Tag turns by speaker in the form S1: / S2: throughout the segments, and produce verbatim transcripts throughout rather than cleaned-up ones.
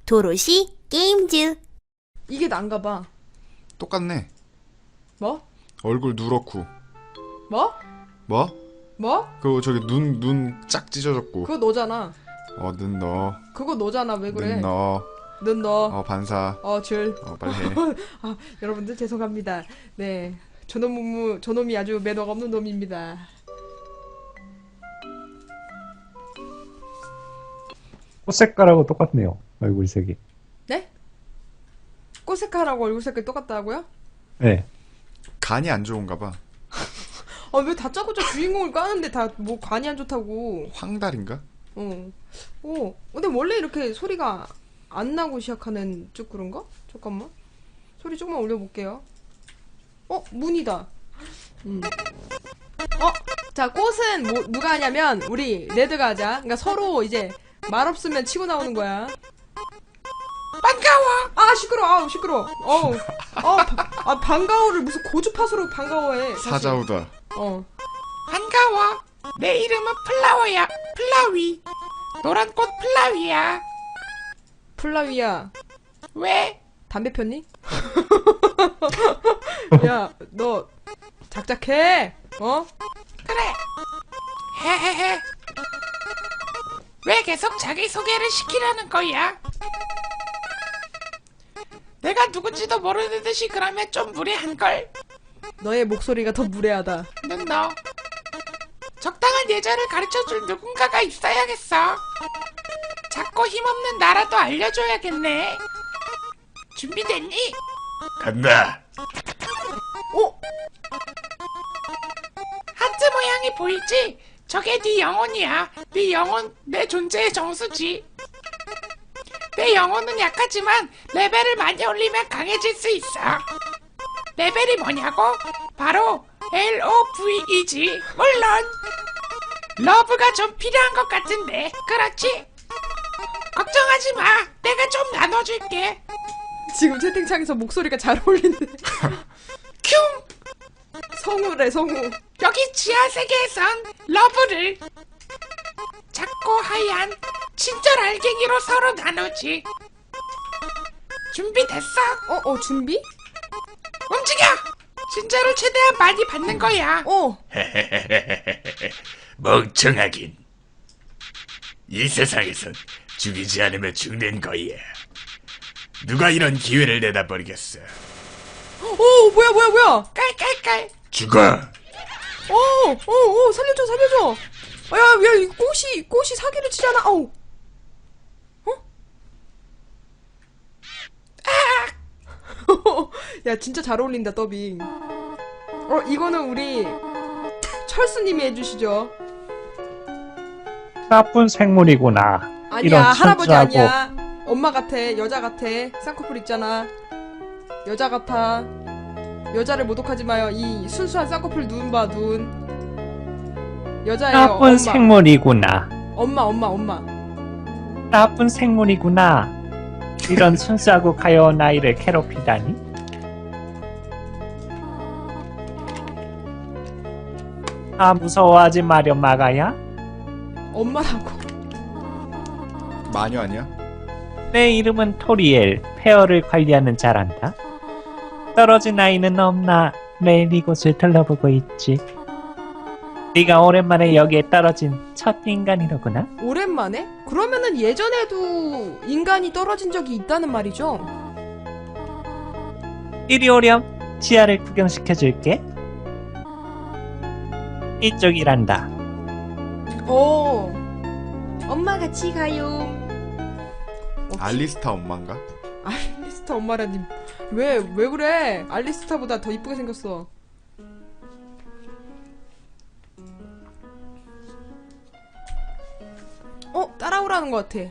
S1: 도로시 게임즈.
S2: 이게 난가 봐.
S3: 똑같네.
S2: 뭐?
S3: 얼굴 누렇고.
S2: 뭐?
S3: 뭐?
S2: 뭐?
S3: 그거 저기 눈 눈 짝 찢어졌고.
S2: 그거 너잖아.
S3: 어, 눈 넣어.
S2: 그거 너잖아. 왜 그래?
S3: 눈 넣어.
S2: 눈 넣어.
S3: 어, 반사.
S2: 어, 줄.
S3: 어, 빨리 해.
S2: 아, 여러분들 죄송합니다. 네. 저놈 무무, 저놈이 아주 매너가 없는 놈입니다.
S4: 꽃 색깔하고 똑같네요. 얼굴 색이.
S2: 네? 꽃 색깔하고 얼굴 색깔 똑같다고요?
S4: 네.
S3: 간이 안 좋은가 봐.
S2: 아, 왜 다짜고짜 주인공을 까는데 다 뭐 간이 안 좋다고.
S3: 황달인가?
S2: 어. 어. 근데 원래 이렇게 소리가 안 나고 시작하는 쭉 그런가? 잠깐만. 소리 조금만 올려볼게요. 어? 문이다. 음. 어? 자, 꽃은 뭐, 누가 하냐면, 우리 레드가 하자. 그러니까 서로 이제 말 없으면 치고 나오는 거야. 반가워! 아, 시끄러! 아, 시끄러! 어, 어, 바, 아, 반가워를 무슨 고주파수로 반가워해. 사실.
S3: 사자우다.
S2: 어.
S5: 반가워. 내 이름은 플라워야. 플라위. 노란 꽃 플라위야.
S2: 플라위야,
S5: 왜?
S2: 담배 폈니? 야, 너 작작해. 어?
S5: 그래. 헤헤헤. 왜 계속 자기소개를 시키려는 거야? 내가 누군지도 모르는 듯이 그러면 좀 무례한걸.
S2: 너의 목소리가 더 무례하다.
S5: 넌 너. 적당한 예절을 가르쳐줄 누군가가 있어야겠어. 작고 힘없는 나라도 알려줘야겠네. 준비됐니?
S3: 간다.
S2: 어?
S5: 하트 모양이 보이지? 저게 네 영혼이야. 네 영혼, 내 존재의 정수지. 내 영혼은 약하지만 레벨을 많이 올리면 강해질 수 있어. 레벨이 뭐냐고? 바로 로브이지. 물론 러브가 좀 필요한 것 같은데. 그렇지? 걱정하지 마. 내가 좀 나눠줄게.
S2: 지금 채팅창에서 목소리가 잘 어울리는데.
S5: 큐!
S2: 성우래, 성우.
S5: 여기 지하 세계에선 러브를 작고 하얀 친절 알갱이로 서로 나누지. 준비됐어?
S2: 어, 어, 준비?
S5: 움직여! 친절을 최대한 많이 받는 거야.
S2: 어.
S6: 멍청하긴. 이 세상에선 죽이지 않으면 죽는 거야. 누가 이런 기회를 내다 버리겠어.
S2: 어, 뭐야, 뭐야, 뭐야.
S5: 깔깔깔.
S6: 죽어.
S2: 어, 어, 어, 살려줘, 살려줘. 아, 야, 야, 이 꽃이, 꽃이 사기를 치잖아. 아우. 어? 아! 야, 진짜 잘 어울린다, 더빙. 어, 이거는 우리 철수님이 해주시죠.
S4: 나쁜 생물이구나.
S2: 아니야,
S4: 이런
S2: 할아버지
S4: 천주하고.
S2: 아니야. 엄마 같아, 여자 같아. 쌍꺼풀 있잖아. 여자 같아. 여자를 모독하지 마요. 이 순수한 쌍꺼풀 눈 봐, 눈. 여자예요,
S4: 나쁜
S2: 엄마.
S4: 생물이구나.
S2: 엄마, 엄마, 엄마.
S4: 나쁜 생물이구나. 이런 순수하고 가여운 아이를 괴롭히다니. 아, 무서워하지 마렴, 마가야.
S2: 엄마라고.
S3: 마녀 아니야?
S4: 내 이름은 토리엘. 페어를 관리하는 자란다. 떨어진 아이는 없나 매일 이곳을 둘러보고 있지. 네가 오랜만에 여기에 떨어진 첫 인간이로구나.
S2: 오랜만에? 그러면은 예전에도 인간이 떨어진 적이 있다는 말이죠?
S4: 이리 오렴. 지하를 구경시켜줄게. 이쪽이란다.
S2: 오. 엄마 같이 가요. 어,
S3: 알리스타 엄마인가?
S2: 알리스타 엄마라니. 왜, 왜 그래? 알리스타보다 더 이쁘게 생겼어. 어? 따라오라는 것 같아.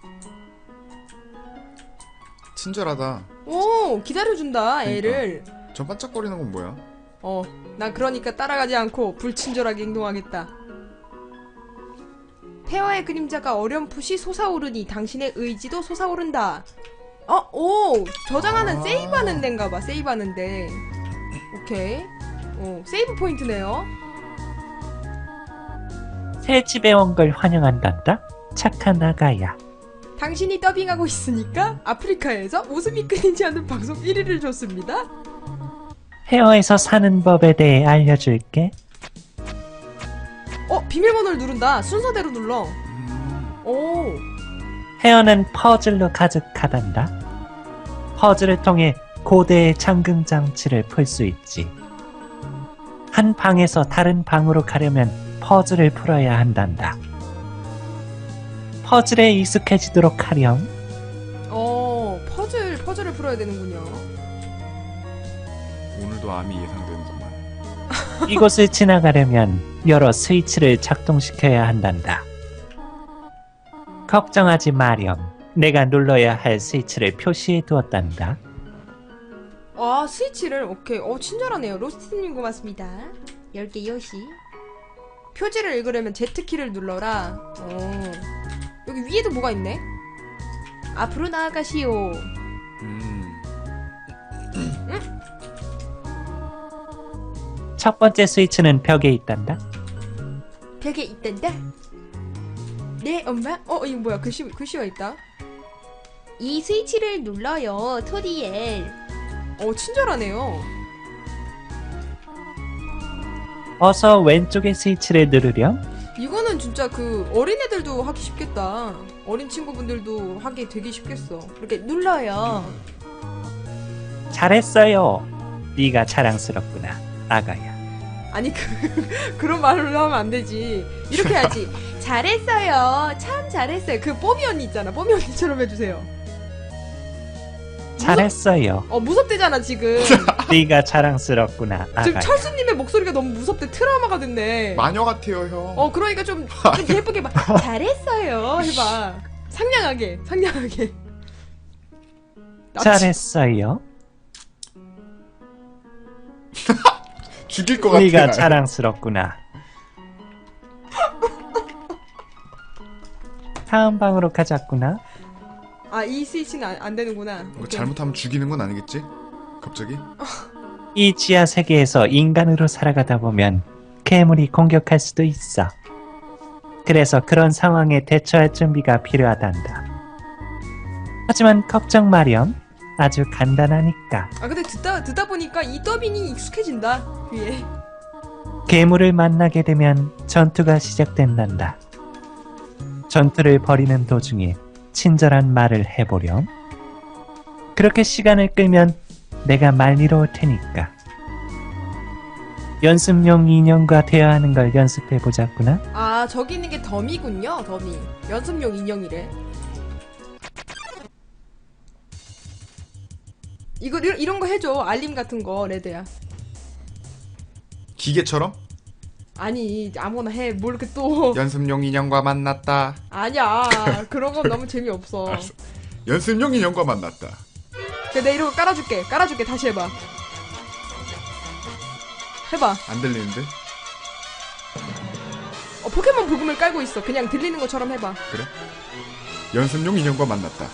S3: 친절하다.
S2: 오, 기다려준다, 애를.
S3: 저 반짝거리는 건 뭐야?
S2: 어, 난 그러니까 따라가지 않고 불친절하게 행동하겠다. 폐허의 그림자가 어렴풋이 솟아오르니 당신의 의지도 솟아오른다. 어, 오, 저장하는
S3: 아.
S2: 세이브하는 데인가봐, 세이브하는 데. 오케이. 오, 세이브 포인트네요.
S4: 새 집에 온 걸 환영한단다. 착한 아가야.
S2: 당신이 더빙하고 있으니까 아프리카에서 웃음이 끊이지 않는 방송 일 위를 줬습니다.
S4: 헤어에서 사는 법에 대해 알려줄게.
S2: 어, 비밀번호를 누른다. 순서대로 눌러. 오,
S4: 헤어는 퍼즐로 가득하단다. 퍼즐을 통해 고대의 잠금 장치를 풀 수 있지. 한 방에서 다른 방으로 가려면 퍼즐을 풀어야 한단다. 퍼즐에 익숙해지도록 하렴.
S2: 어, 퍼즐, 퍼즐을 풀어야 되는군요.
S3: 오늘도 암이 예상되는구만.
S4: 이곳을 지나가려면 여러 스위치를 작동시켜야 한단다. 걱정하지 마렴. 내가 눌러야 할 스위치를 표시해 두었단다.
S2: 아, 스위치를, 오케이. 어, 친절하네요. 로스트님 고맙습니다. 열 개 요시. 표지를 읽으려면 Z키를 눌러라. 어. 여기 위에도 뭐가 있네? 앞으로 나아가시오.
S3: 음.
S4: 첫 번째 스위치는 벽에 있단다.
S2: 벽에 있단다. 네, 엄마? 어, 이거 뭐야? 글씨, 글씨가 있다.
S1: 이 스위치를 눌러요, 토리엘.
S2: 어, 친절하네요.
S4: 어서 왼쪽의 스위치를 누르렴.
S2: 이거는 진짜 그 어린애들도 하기 쉽겠다. 어린 친구분들도 하기 되게 쉽겠어. 이렇게 눌러요.
S4: 잘했어요. 네가 자랑스럽구나, 아가야.
S2: 아니, 그, 그런 말로 하면 안 되지. 이렇게 해야지. 잘했어요. 참 잘했어요. 그 뽀미 언니 있잖아. 뽀미 언니처럼 해주세요.
S4: 잘했어요.
S2: 어, 무섭대잖아, 지금.
S4: 네가 자랑스럽구나,
S2: 지금
S4: 아가야.
S2: 철수님의 목소리가 너무 무섭대. 트라우마가 됐네.
S3: 마녀 같아요, 형.
S2: 어, 그러니까 좀, 좀 예쁘게 막 잘했어요. 해봐. 상냥하게, 상냥하게. 나
S4: 잘했어요.
S3: 죽일 것 같아.
S4: 네가
S3: 날.
S4: 자랑스럽구나. 다음 방으로 가자꾸나.
S2: 아, 이 스위치는 안, 안 되는구나.
S3: 뭐
S2: 오케이.
S3: 잘못하면 죽이는 건 아니겠지? 갑자기?
S4: 이 지하 세계에서 인간으로 살아가다 보면 괴물이 공격할 수도 있어. 그래서 그런 상황에 대처할 준비가 필요하단다. 하지만 걱정 마렴. 아주 간단하니까.
S2: 아, 근데 듣다, 듣다 보니까 이 더빙이 익숙해진다. 귀에.
S4: 괴물을 만나게 되면 전투가 시작된단다. 전투를 벌이는 도중에 친절한 말을 해보렴. 그렇게 시간을 끌면 내가 말리러 올 테니까. 연습용 인형과 대화하는 걸 연습해보자꾸나.
S2: 아, 저기 있는 게 덤이군요. 덤이. 연습용 인형이래. 이거 이런, 이런 거 해줘. 알림 같은 거, 레드야.
S3: 기계처럼?
S2: 아니, 아무거나 해. 뭘 이렇게 또.
S3: 연습용 인형과 만났다.
S2: 아니야. 그런 건 너무 재미없어.
S3: 알았어. 연습용 인형과 만났다.
S2: 그래, 내가 이런 거 깔아줄게. 깔아줄게. 다시 해봐. 해봐.
S3: 안 들리는데?
S2: 어, 포켓몬 부금을 깔고 있어. 그냥 들리는 것처럼 해봐.
S3: 그래? 연습용 인형과 만났다.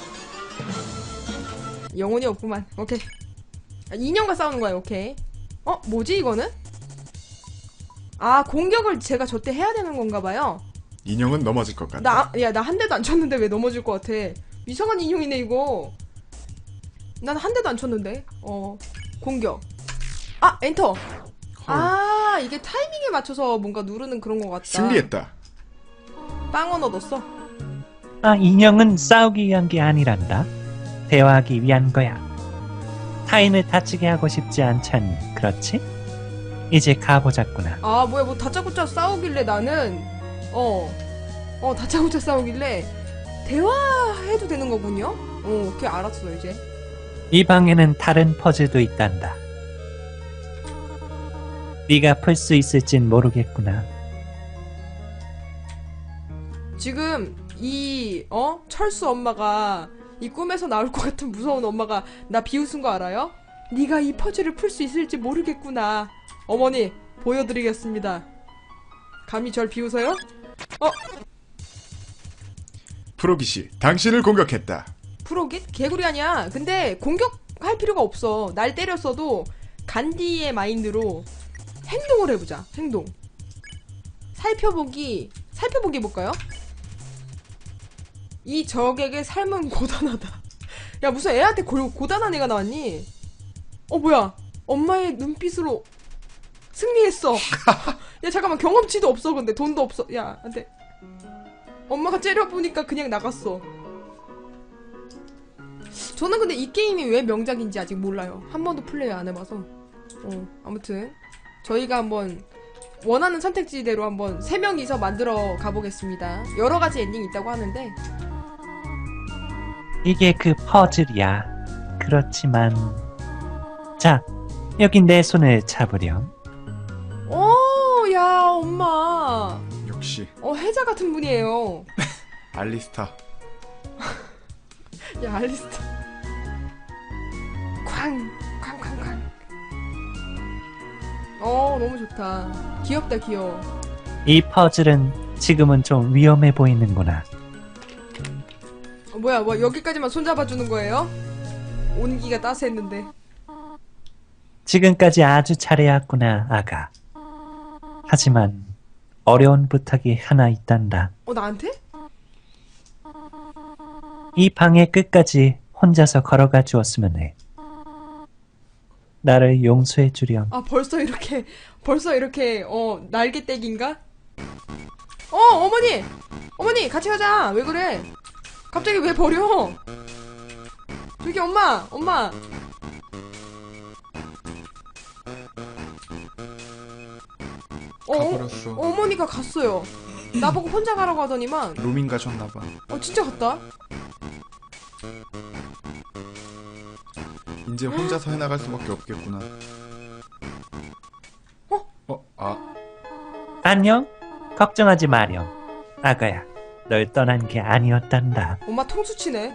S2: 영혼이 없구만. 오케이. 아, 인형과 싸우는 거야. 오케이. 어? 뭐지 이거는? 아, 공격을 제가 저때 해야 되는 건가 봐요.
S3: 인형은 넘어질 것 같다.
S2: 나, 야, 나 한 대도 안 쳤는데 왜 넘어질 것 같아. 이상한 인형이네 이거. 난 한 대도 안 쳤는데. 어, 공격. 아, 엔터. 아, 이게 타이밍에 맞춰서 뭔가 누르는 그런 것 같다.
S3: 승리했다.
S2: 빵원 얻었어.
S4: 아, 인형은 싸우기 위한 게 아니란다. 대화하기 위한 거야. 타인을 다치게 하고 싶지 않잖니, 그렇지? 이제 가보자꾸나.
S2: 아, 뭐야, 뭐 다짜고짜 싸우길래 나는 어, 어, 다짜고짜 싸우길래 대화해도 되는 거군요? 어, 오케이, 알았어 이제.
S4: 이 방에는 다른 퍼즐도 있단다. 네가 풀 수 있을진 모르겠구나.
S2: 지금 이 어? 철수 엄마가 이 꿈에서 나올 것 같은 무서운 엄마가 나 비웃은 거 알아요? 네가 이 퍼즐을 풀 수 있을지 모르겠구나. 어머니, 보여드리겠습니다. 감히 절 비웃어요? 어?
S3: 프로기시, 당신을 공격했다.
S2: 프로깃? 개구리 아니야. 근데 공격할 필요가 없어. 날 때렸어도 간디의 마인드로 행동을 해보자. 행동. 살펴보기. 살펴보기 해볼까요? 이 적에게 삶은 고단하다. 야, 무슨 애한테 고, 고단한 애가 나왔니? 어, 뭐야. 엄마의 눈빛으로 승리했어. 야, 잠깐만. 경험치도 없어. 근데 돈도 없어. 야, 안 돼. 엄마가 째려보니까 그냥 나갔어. 저는 근데 이 게임이 왜 명작인지 아직 몰라요. 한 번도 플레이 안 해봐서. 어, 아무튼 저희가 한번 원하는 선택지대로 한번 세 명이서 만들어 가보겠습니다. 여러 가지 엔딩이 있다고 하는데.
S4: 이게 그 퍼즐이야. 그렇지만 자, 여기 내 손을 잡으렴.
S2: 오, 야, 엄마.
S3: 역시
S2: 어, 혜자 같은 분이에요.
S3: 알리스타.
S2: 야, 알리스타. 쾅, 쾅, 쾅, 쾅. 어, 너무 좋다. 귀엽다, 귀여워.
S4: 이 퍼즐은 지금은 좀 위험해 보이는구나.
S2: 어, 뭐야, 뭐 여기까지만 손잡아주는 거예요? 온기가 따스했는데.
S4: 지금까지 아주 잘해왔구나, 아가. 하지만 어려운 부탁이 하나 있단다.
S2: 어, 나한테?
S4: 이 방의 끝까지 혼자서 걸어가 주었으면 해. 나를 용서해 주렴.
S2: 아, 벌써 이렇게, 벌써 이렇게, 어, 날개떼기인가? 어, 어머니! 어머니, 같이 가자! 왜 그래? 갑자기 왜 버려? 저기, 엄마! 엄마! 어, 어,
S3: 가버렸어.
S2: 어머니가 갔어요. 나보고 혼자 가라고 하더니만,
S3: 로밍 가셨나봐.
S2: 어, 진짜 갔다?
S3: 이제 혼자서 해나갈 수밖에 없겠구나.
S2: 어?
S3: 어? 아,
S4: 안녕? 걱정하지 마렴. 아가야, 널 떠난 게 아니었단다.
S2: 엄마 통수치네.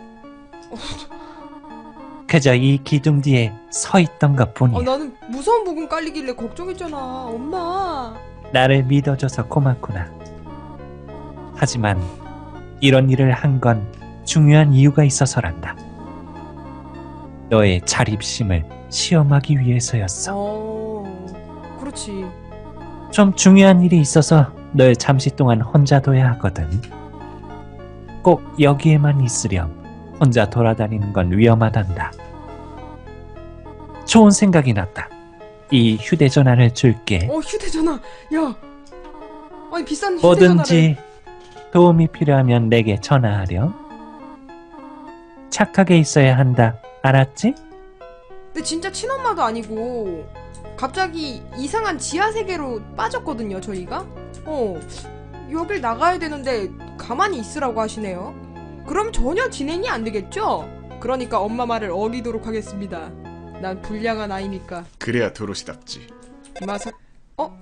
S4: 그저 이 기둥 뒤에 서 있던 것
S2: 어,
S4: 뿐이야.
S2: 나는 무서운 부분 깔리길래 걱정했잖아. 엄마.
S4: 나를 믿어줘서 고맙구나. 하지만 이런 일을 한 건 중요한 이유가 있어서란다. 너의 자립심을 시험하기 위해서였어.
S2: 어, 그렇지.
S4: 좀 중요한 일이 있어서 널 잠시 동안 혼자 둬야 하거든. 꼭 여기에만 있으렴. 혼자 돌아다니는 건 위험하단다. 좋은 생각이 났다. 이 휴대전화를 줄게.
S2: 어, 휴대전화. 야. 아니, 비싼 휴대전화를.
S4: 뭐든지 도움이 필요하면 내게 전화하렴. 착하게 있어야 한다. 알았지?
S2: 근데 진짜 친엄마도 아니고 갑자기 이상한 지하 세계로 빠졌거든요, 저희가. 어. 여길 나가야 되는데 가만히 있으라고 하시네요. 그럼 전혀 진행이 안 되겠죠? 그러니까 엄마 말을 어기도록 하겠습니다. 난 불량한 아이니까.
S3: 그래야 도로시답지.
S2: 마사. 어?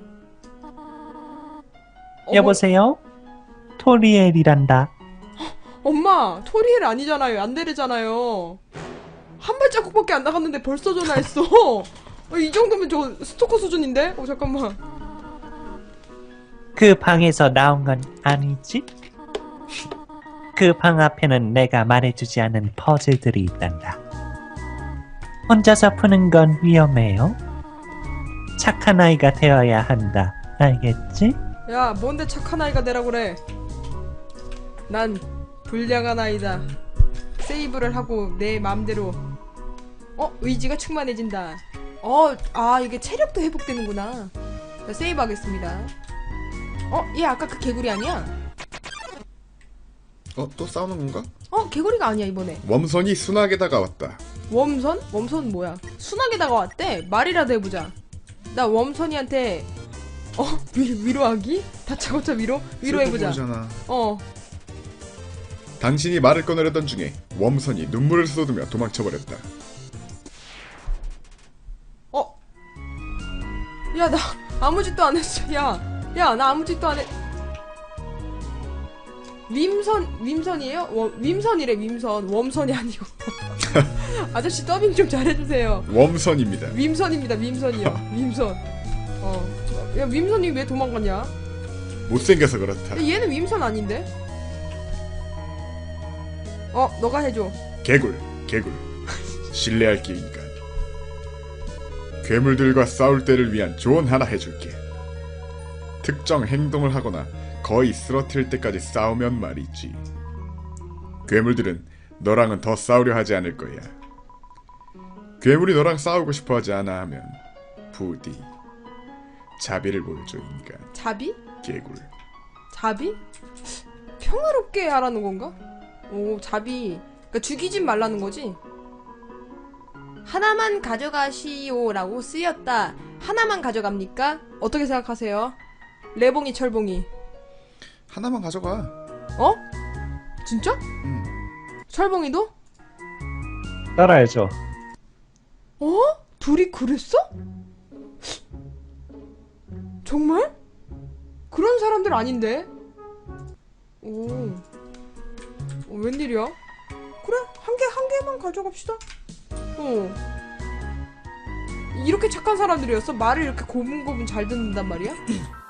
S2: 어머,
S4: 여보세요? 토리엘이란다.
S2: 엄마, 토리엘 아니잖아요. 안데르잖아요. 한 발자국밖에 안 나갔는데 벌써 전화했어. 어, 이 정도면 저 스토커 수준인데? 어, 잠깐만.
S4: 그 방에서 나온 건 아니지? 그 방 앞에는 내가 말해주지 않은 퍼즐들이 있단다. 혼자서 푸는 건 위험해요. 착한 아이가 되어야 한다. 알겠지?
S2: 야, 뭔데 착한 아이가 되라고 그래. 난 불량한 아이다. 세이브를 하고 내 맘대로. 어? 의지가 충만해진다. 어, 아, 이게 체력도 회복되는구나. 자, 세이브 하겠습니다. 어? 얘 아까 그 개구리 아니야?
S3: 어? 또 싸우는 건가?
S2: 어? 개구리가 아니야, 이번에.
S3: 웜선이 순하게 다가왔다.
S2: 웜선? 웜선 뭐야? 순하게다가 왔대? 말이라도 해보자. 나 웜선이한테 어? 위, 위로하기? 다짜고짜 위로? 위로해보자.
S3: 슬퍼 보이잖아.
S2: 어.
S3: 당신이 말을 꺼내려던 중에 웜선이 눈물을 쏟으며 도망쳐버렸다.
S2: 어? 야, 나 아무 짓도 안 했어. 야, 야, 나 아무 짓도 안 해. 윈선, 윈선이에요? 워, 윈선이래, 윈선. 웜선이 아니고. 아저씨 더빙 좀 잘해주세요.
S3: 웜선입니다.
S2: 윈선입니다, 윈선이요. 윈선. 어. 야, 윈선이 왜 도망갔냐?
S3: 못생겨서 그렇다.
S2: 근데 얘는 윈선 아닌데? 어, 너가 해줘.
S3: 개굴, 개굴. 신뢰할 기인간. 괴물들과 싸울 때를 위한 조언 하나 해줄게. 특정 행동을 하거나 거의 쓰러뜨릴 때까지 싸우면 말이지. 괴물들은 너랑은 더 싸우려 하지 않을 거야. 괴물이 너랑 싸우고 싶어 하지 않아 하면 부디 자비를 보여줘 인간.
S2: 자비?
S3: 개굴.
S2: 자비? 평화롭게 하라는 건가? 오, 자비. 그러니까 죽이진 말라는 거지? 하나만 가져가시오라고 쓰였다. 하나만 가져갑니까? 어떻게 생각하세요? 레봉이 철봉이.
S3: 하나만 가져가.
S2: 어? 진짜?
S3: 음.
S2: 철봉이도?
S4: 따라야죠.
S2: 어? 둘이 그랬어? 정말? 그런 사람들 아닌데? 오, 어, 웬일이야? 그래, 한 개, 한 개만 가져갑시다. 어. 이렇게 착한 사람들이었어? 말을 이렇게 고분고분 잘 듣는단 말이야?